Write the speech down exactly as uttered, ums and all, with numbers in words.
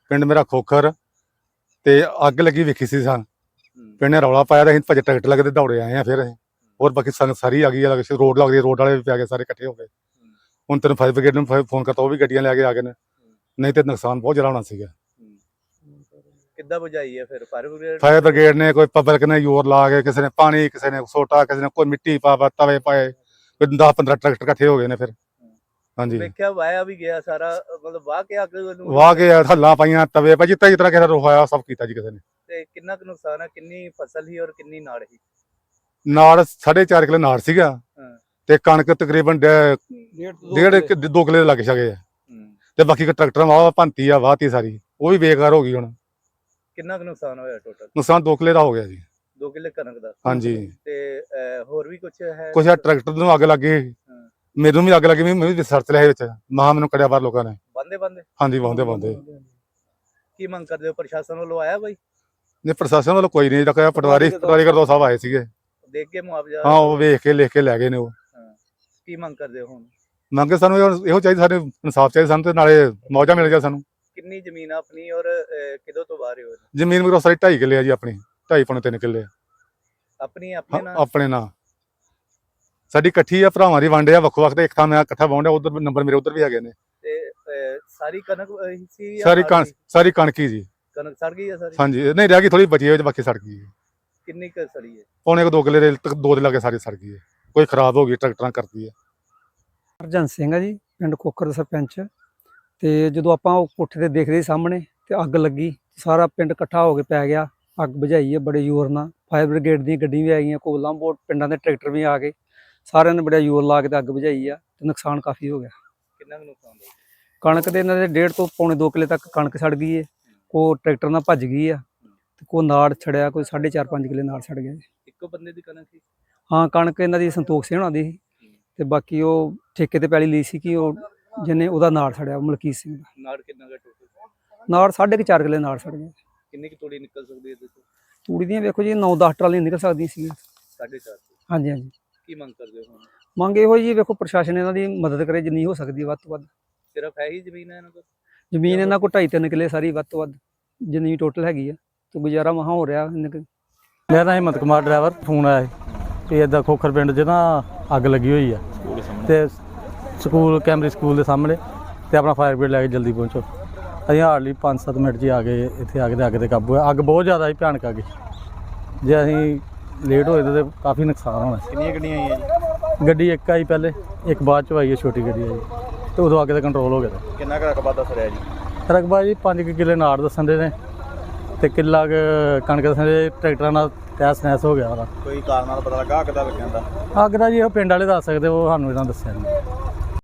ਪਿੰਡ ਮੇਰਾ ਖੋਖਰ ਤੇ ਅੱਗ ਲੱਗੀ ਵੇਖੀ ਸੀ ਸਾਂ ਪਿੰਡ ਨੇ ਰੌਲਾ ਪਾਇਆ ਤੇ ਅਸੀਂ ਭੱਜ ਟਰੈਕਟਰ ਲੱਗੇ ਤੇ ਦੌੜੇ ਆਏ ਆ ਫਿਰ ਅਸੀਂ ਹੋਰ ਬਾਕੀ ਸੰਗਤ ਸਾਰੀ ਆ ਗਈ ਆ ਰੋਡ ਲੱਗਦੀ ਰੋਡ ਵਾਲੇ ਵੀ ਪੈ ਗਏ ਸਾਰੇ ਇਕੱਠੇ ਹੋ ਗਏ ਹੁਣ ਤੈਨੂੰ ਫਾਇਰ ਬ੍ਰਿਗੇਡ ਨੂੰ ਫੋਨ ਕਰਤਾ ਉਹ ਵੀ ਗੱਡੀਆਂ ਲੈ ਕੇ ਆ ਗਏ ਨੇ ਨਹੀਂ ਤੇ ਨੁਕਸਾਨ ਬਹੁਤ ਜ਼ਿਆਦਾ ਹੋਣਾ ਸੀਗਾ। ਕਿੱਦਾਂ ਬੁਝਾਈ ਹੈ ਫਿਰ ਫਾਇਰ ਬ੍ਰਿਗੇਡ? ਫਾਇਰ ਬ੍ਰਿਗੇਡ ਨੇ ਕੋਈ ਪਬਲਿਕ ਨੇ ਜ਼ੋਰ ਲਾ ਕੇ ਕਿਸੇ ਨੇ ਪਾਣੀ ਕਿਸੇ ਨੇ ਸੋਟਾ ਕਿਸੇ ਨੇ ਕੋਈ ਮਿੱਟੀ ਪਾ ਪਾ ਤਵੇ ਪਾਏ ਕੋਈ ਦਸ ਪੰਦਰਾਂ ਟਰੈਕਟਰ ਇਕੱਠੇ ਹੋ ਗਏ ਨੇ ਫਿਰ। ਹਾਂਜੀ ਵੇਖਿਆ ਵਾਇਆ ਵੀ ਗਿਆ ਸਾਰਾ ਮਤਲਬ ਵਾਹ ਕੇ ਅੱਗ ਨੂੰ ਵਾਹ ਕੇ ਹੱਲਾਂ ਪਾਈਆਂ ਤਵੇ ਪਾ ਜਿੱਤਾ ਜਿਸ ਤਰ੍ਹਾਂ ਕਿਸੇ ਰੋਹਾਇਆ ਸਭ ਕੀਤਾ ਜੀ ਕਿਸੇ ਨੇ। ਤੇ ਕਿੰਨਾ ਕੁ ਨੁਕਸਾਨ ਹੈ? ਕਿੰਨੀ ਫਸਲ ਸੀ ਔਰ ਕਿੰਨੀ ਨਾੜ ਸੀ? ਨਾੜ ਸਾਢੇ ਚਾਰ ਕਿੱਲੇ ਨਾੜ ਸੀਗਾ ਤੇ ਕਣਕ ਤਕਰੀਬਨ ਡੇਢ ਦੋ ਕਿੱਲੇ ਲੱਗ ਸਕੇ ਤੇ ਬਾਕੀ ਟਰੈਕਟਰ ਵਾਹ ਭੰਤੀ ਆ ਵਾਹਤੀ ਸਾਰੀ ਉਹ ਵੀ ਬੇਕਾਰ ਹੋ ਗਈ। ਹੁਣ ਕਿੰਨਾ ਕੁ ਨੁਕਸਾਨ ਹੋਇਆ ਟੋਟਲ? ਨੁਕਸਾਨ ਦੋ ਕਿੱਲੇ ਦਾ ਹੋ ਗਿਆ ਜੀ। ਦੋ ਕਿੱਲੇ ਕਣਕ ਦਾ? ਹਾਂਜੀ। ਤੇ ਹੋਰ ਵੀ ਕੁਝ ਹੈ? ਕੁਛ ਟਰੈਕਟਰ ਨੂੰ ਅੱਗ ਲੱਗ ਗਈ, ਮੈਨੂੰ ਵੀ ਅੱਗ ਲੱਗੀ, ਮੈਂ ਵੀ ਸਰਚ ਲਿਆ ਵਿੱਚ ਮਹਾ ਮੈਨੂੰ ਕੜਿਆ ਬਾਹਰ ਲੋਕਾਂ ਨੇ ਬੰਦੇ ਬੰਦੇ। ਹਾਂਜੀ ਬੰਦੇ ਬੰਦੇ। ਕੀ ਮੰਗ ਕਰਦੇ ਹੋ ਪ੍ਰਸ਼ਾਸਨ ਵੱਲੋਂ ਆਇਆ ਬਾਈ? ਨਹੀਂ ਪ੍ਰਸ਼ਾਸਨ ਵੱਲੋਂ ਕੋਈ ਨਹੀਂ ਰੱਖਿਆ, ਪਟਵਾਰੀ ਪਟਵਾਰੀ ਕਰਦੋ ਸਾਹਿਬ ਆਏ ਸੀਗੇ ਦੇਖ ਕੇ ਮੁਆਵਜ਼ਾ? ਹਾਂ ਉਹ ਵੇਖ ਕੇ ਲਿਖ ਕੇ ਲੈ ਗਏ ਨੇ ਉਹ। ਕੀ ਮੰਗ ਕਰਦੇ ਹੋ ਹੁਣ? ਮੰਗੇ ਸਾਨੂੰ ਇਹੋ ਚਾਹੀਦਾ, ਸਾਡੇ ਇਨਸਾਫ ਚਾਹੀਦਾ ਸਾਨੂੰ ਤੇ ਨਾਲੇ ਮੌਜਾ ਮਿਲ ਜਾ ਸਾਨੂੰ। ਕਿੰਨੀ ਜ਼ਮੀਨ ਆਪਣੀ ਔਰ ਕਿਦੋਂ ਤੋਂ ਬਾਹਰ ਹੋ? ਜ਼ਮੀਨ ਮੇਰੀ ਸਾਰੀ ਢਾਈ ਕਿੱਲੇ ਆ ਜੀ, ਆਪਣੀ ਢਾਈ ਪੌਣੇ ਤਿੰਨ ਕਿੱਲੇ ਆਪਣੀ ਆਪਣੇ ਨਾਲ? ਆਪਣੇ ਨਾਲ ਸਾਡੀ ਇਕੱਠੀ ਆ, ਭਰਾਵਾਂ ਦੀ ਵੰਡ ਆ ਵੱਖੋ ਵੱਖ ਤੇ ਇੱਕ ਥਾਂ ਮੈਂ ਇਕੱਠਾ ਵਾਹੁੰਦਾ, ਉਧਰ ਨੰਬਰ ਮੇਰੇ ਉਧਰ ਵੀ ਹੈਗੇ ਨੇ। ਤੇ ਸਾਰੀ ਕਣਕ ਸੀ? ਸਾਰੀ ਕਣਕ ਸਾਰੀ ਕਣਕ ਹੀ ਜੀ। ਕਣਕ ਸੜ ਗਈ ਆ ਸਾਰੀ? ਹਾਂਜੀ ਨਹੀਂ ਰਹਿ ਗਈ ਥੋੜੀ ਬਚੀ ਹੈ, ਬਾਕੀ ਸੜ ਗਈ ਹੈ। ਕਿੰਨੀ ਕੁ ਸੜੀ ਹੈ? ਪੌਣੇ ਕੁ ਦੋ ਕਿੱਲੇ ਦੇ ਦੋ ਦੇ ਲਾਗੇ ਸਾਰੀ ਸੜ ਗਈ ਹੈ, ਕੋਈ ਖਰਾਬ ਹੋ ਗਈ ਟਰੈਕਟਰਾਂ ਕਰਦੀ ਹੈ। ਹਰਜਨ ਸਿੰਘ ਆ ਜੀ, ਪਿੰਡ ਖੋਖਰ ਦਾ ਸਰਪੰਚ। ਤੇ ਜਦੋਂ ਆਪਾਂ ਉਹ ਕੋਠੇ ਤੇ ਦੇਖਦੇ ਸਾਹਮਣੇ ਤੇ ਅੱਗ ਲੱਗੀ, ਸਾਰਾ ਪਿੰਡ ਇਕੱਠਾ ਹੋ ਕੇ ਪੈ ਗਿਆ, ਅੱਗ ਬੁਝਾਈ ਹੈ ਬੜੇ ਜ਼ੋਰ ਨਾਲ। ਫਾਇਰ ਬ੍ਰਿਗੇਡ ਦੀਆਂ ਗੱਡੀਆਂ ਵੀ ਆ ਗਈਆਂ, ਕੋਲਾਂ ਬੋਟ ਪਿੰਡਾਂ ਦੇ ਟਰੈਕਟਰ ਵੀ ਆ ਗਏ, ਸਾਰਿਆਂ ਨੇ ਬੜਾ ਜ਼ੋਰ ਲਾ ਕੇ ਤੇ ਅੱਗ ਬੁਝਾਈ ਆ ਤੇ ਨੁਕਸਾਨ ਕਾਫੀ ਹੋ ਗਿਆ। ਕਿੰਨਾ ਕੁ ਨੁਕਸਾਨ ਹੋਇਆ? ਕਣਕ ਦੇ ਇਹਨਾਂ ਦੇ ਡੇਢ ਤੋਂ ਪੌਣੇ ਦੋ ਕਿੱਲੇ ਤੱਕ ਕਣਕ ਸੜ ਗਈ ਹੈ, ਕੋ ਟਰੈਕਟਰ ਨਾਲ ਭੱਜ ਗਈ ਆ ਤੇ ਕੋ ਨਾੜ ਛੜਿਆ, ਕੋਈ ਸਾਢੇ ਚਾਰ ਪੰਜ ਕਿੱਲੇ ਨਾੜ ਛੜ ਗਿਆ। ਇੱਕੋ ਬੰਦੇ ਦੀ ਕਣਕ ਸੀ? ਹਾਂ ਕਣਕ ਇਹਨਾਂ ਦੀ ਸੰਤੋਖ ਸਿੰਘ ਹੋਣਾ ਦੀ ਸੀ ਤੇ ਬਾਕੀ ਉਹ ਠੇਕੇ ਤੇ ਪੈਲੀ ਲਈ ਸੀ ਕਿ ਉਹ ਜਿਹਨੇ ਉਹਦਾ ਨਾੜ ਛੜਿਆ ਮਲਕੀਤ ਸਿੰਘ ਦਾ। ਨਾੜ ਕਿੰਨਾ ਕੁ ਟੋਟਲ? ਨਾੜ ਸਾਢੇ ਕੁ ਚਾਰ ਕਿੱਲੇ ਨਾੜ ਛੜ ਗਿਆ। ਕਿੰਨੀ ਕੁ ਤੂੜੀ ਨਿਕਲ ਸਕਦੀ ਹੈ ਦੇਖੋ? ਤੂੜੀ ਦੀਆਂ ਵੇਖੋ ਜੀ ਨੌ ਦਸ ਟਰਾਲੀਆਂ ਨਿਕਲ ਸਕਦੀਆਂ ਸੀ। ਸਾਢੇ ਚਾਰ? ਹਾਂਜੀ ਹਾਂਜੀ। ਕੀ ਮੰਗ ਕਰਦੇ ਹੋ ਹੁਣ? ਮੰਗ ਇਹੋ ਜੀ ਵੇਖੋ ਪ੍ਰਸ਼ਾਸਨ ਇਹਨਾਂ ਦੀ ਮਦਦ ਕਰੇ ਜਿੰਨੀ ਹੋ ਸਕਦੀ ਵੱਧ ਤੋਂ ਵੱਧ। ਸਿਰਫ ਹੈ ਹੀ ਜ਼ਮੀਨ ਹੈ ਇਹਨਾਂ ਕੋਲ? ਜ਼ਮੀਨ ਇਹਨਾਂ ਕੋਲ ਢਾਈ ਤਿੰਨ ਕਿੱਲੇ ਸਾਰੀ ਵੱਧ ਤੋਂ ਵੱਧ ਜਿੰਨੀ ਟੋਟਲ ਹੈਗੀ ਆ ਤੇ ਗੁਜ਼ਾਰਾ ਮਹਾ ਹੋ ਰਿਹਾ। ਮੇਰਾ ਨਾਮ ਹਿੰਮਤ ਕੁਮਾਰ ਡਰਾਈਵਰ। ਫੋਨ ਆਇਆ ਕਿ ਇੱਦਾਂ ਖੋਖਰ ਪਿੰਡ 'ਚ ਨਾ ਅੱਗ ਲੱਗੀ ਹੋਈ ਆ ਤੇ ਸਕੂਲ ਕੈਮਰੀ ਸਕੂਲ ਦੇ ਸਾਹਮਣੇ ਤੇ ਆਪਣਾ ਫਾਇਰ ਬ੍ਰਿਗੇਡ ਲੈ ਕੇ ਜਲਦੀ ਪਹੁੰਚੋ। ਅਸੀਂ ਹਾਰਡਲੀ ਪੰਜ ਸੱਤ ਮਿੰਟ 'ਚ ਆ ਗਏ ਇੱਥੇ, ਆ ਕੇ ਤੇ ਅੱਗ 'ਤੇ ਕਾਬੂ ਆ। ਅੱਗ ਬਹੁਤ ਜ਼ਿਆਦਾ ਸੀ, ਭਿਆਨਕ ਆ ਗਈ। ਜੇ ਅਸੀਂ ਲੇਟ ਹੋਏ ਤਾਂ ਕਾਫੀ ਨੁਕਸਾਨ ਹੋਣਾ। ਕਿੰਨੀਆਂ ਗੱਡੀਆਂ ਆਈਆਂ ਜੀ? ਗੱਡੀ ਇੱਕ ਆਈ ਪਹਿਲੇ, ਇੱਕ ਬਾਅਦ 'ਚ ਆਈ ਹੈ ਛੋਟੀ ਗੱਡੀ ਆਈ ਤੇ ਉਦੋਂ ਅੱਗ 'ਤੇ ਕੰਟਰੋਲ ਹੋ ਗਿਆ। ਕਿੰਨਾ ਕੁ ਰਕਬਾ ਦੱਸ ਰਿਹਾ ਜੀ? ਰਕਬਾ ਜੀ ਪੰਜ ਕੁ ਕਿੱਲੇ ਨਾੜ ਦੱਸਣ ਦੇ ਨੇ ਤੇ ਕਿੱਲਾ ਕੁ ਕਣਕ ਦੱਸਣ ਦੇ। ਟਰੈਕਟਰਾਂ ਨਾਲ ਤਹਿਸ ਨਹਿਸ ਹੋ ਗਿਆ ਉਹਦਾ। ਕੋਈ ਕਾਰਨ ਨਾਲ ਪਤਾ ਲੱਗਾ ਅੱਗ ਦਾ ਲੱਗਣ ਦਾ? ਅੱਗ ਦਾ ਜੀ ਉਹ ਪਿੰਡ ਵਾਲੇ ਦੱਸ ਸਕਦੇ, ਉਹ ਸਾਨੂੰ ਇਹਨਾਂ ਦੱਸਿਆ ਨਹੀਂ।